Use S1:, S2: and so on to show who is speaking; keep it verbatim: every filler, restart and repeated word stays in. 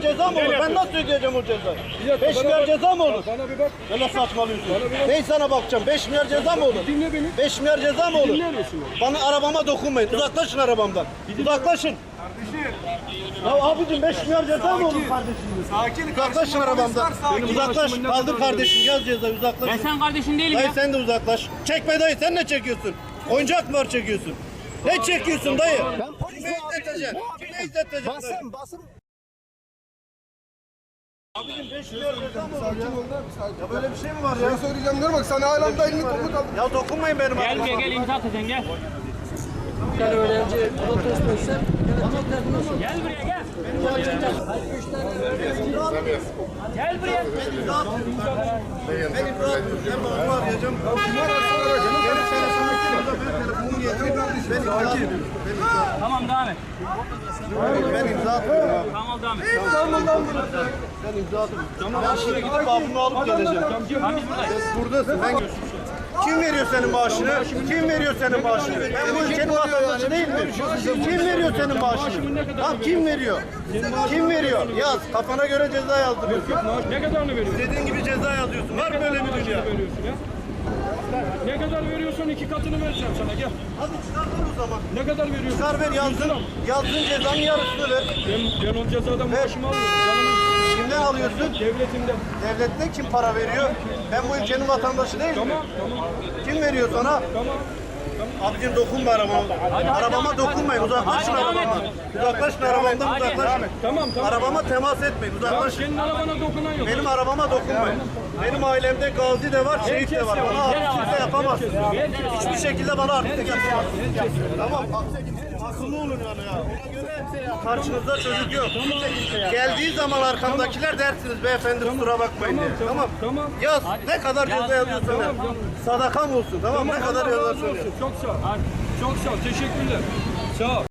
S1: milyar ceza mı olur? Ben nasıl ödeyeceğim o cezayı? beş milyar ceza mı olur?
S2: Bana bir bak.
S1: Öyle saçmalıyorsun. Ben sana bakacağım. beş milyar ceza mı olur?
S2: Dinle beni.
S1: beş milyar ceza mı olur?
S2: Dinler misin?
S1: Bana arabama dokunmayın. Uzaklaşın arabamdan. Uzaklaşın.
S3: Kardeşim.
S1: Ya abicim beş milyar ceza mı olur kardeşim?
S3: Sakin.
S1: Uzaklaşın arabamdan. Uzaklaş. Kaldır kardeşim. Yaz cezayı uzaklaş.
S4: Ben sen kardeşin değilim
S1: Dayı
S4: ya.
S1: sen de uzaklaş. Çekme dayı, sen ne çekiyorsun? Oyuncak mı var çekiyorsun? Ne çekiyorsun dayı? Kime izleteceksin? Kime izleteceksin?
S5: Basın basın.
S1: Abicim beş milyar ceza mı olur
S2: Sakin
S1: ya?
S2: ol da bir sakin.
S1: Ya böyle bir şey mi var
S2: Ben
S1: ya?
S2: söyleyeceğim diyorum bak sana hala da elini kolunu kaldır.
S1: Ya dokunmayın benim
S4: Gel
S1: arabama.
S4: buraya gel imza atacaksın gel.
S5: Bir tane öğrenci protesto etse yönetimler diyorsun.
S4: Gel buraya gel.
S5: Üç tane
S4: Gel buraya.
S1: Ben imza atıyorum. Ben babamı arayacağım. Gelip sana sana ben telefonumu getireyim. Ben imza atıyorum.
S4: Tamam devam et.
S1: Ben imza atıyorum abi.
S4: Tamam devam et.
S1: Ben imza atıyorum. Ben şimdi gidip babamı alıp geleceğim.
S4: Tamam biz buradayız.
S1: Buradasın. Ben... Kim veriyor senin maaşını? Kim veriyor senin maaşını? Ben bu ülkenin vatandaşı değil mi? Kim veriyor senin maaşını? Tamam kim veriyor? Kim veriyor? Yaz. Kafana göre ceza yazdırıyorsun.
S2: Ne kadarını veriyorsun?
S1: Dediğin gibi ceza yazıyorsun. Var mı böyle bir dünya?
S2: Veriyorsun ya. Ne kadar veriyorsun? İki katını vereceğim sana gel.
S1: Hadi çıkar o zaman.
S2: Ne kadar veriyorsun?
S1: Çıkar ver yazdın. Yazdığın cezanın yarısını ver.
S2: Ben, ben o cezadan maaşımı alıyorum. Canımın
S1: Kimden alıyorsun?
S2: devletimden.
S1: Devletten kim para veriyor? Ben bu ülkenin vatandaşı değil mi?
S2: Tamam tamam.
S1: Kim veriyor sana?
S2: Tamam.
S1: Abicim dokunma arabama. Arabama dokunmayın. Uzaklaşın
S4: Hadi, devam et.
S1: arabamdan. Uzaklaşın arabamdan uzaklaşın.
S2: Tamam tamam.
S1: Arabama temas etmeyin.
S2: Tamam
S1: Uzaklaşın.
S2: senin arabana dokunan yok.
S1: Benim arabama dokunmayın. Benim ailemde gazi de var, şehit de var. Bana artık kimse yapamaz. Hiçbir şekilde bana artık yapamaz. Tamam. Akıllı olun yani ya. Ona göre karşınızda çocuk yok. Geldiği zaman arkamdakiler dersiniz beyefendi kusura bakmayın diye. Tamam.
S2: Tamam.
S1: Yaz. Ne kadar ceza yazıyorsan yaz. Sadakam olsun. Tamam. Ne kadar
S2: Allah razı
S1: yazarsan yaz.
S2: olsun. Çok sağ ol. Çok sağ ol. Teşekkürler. Sağ ol.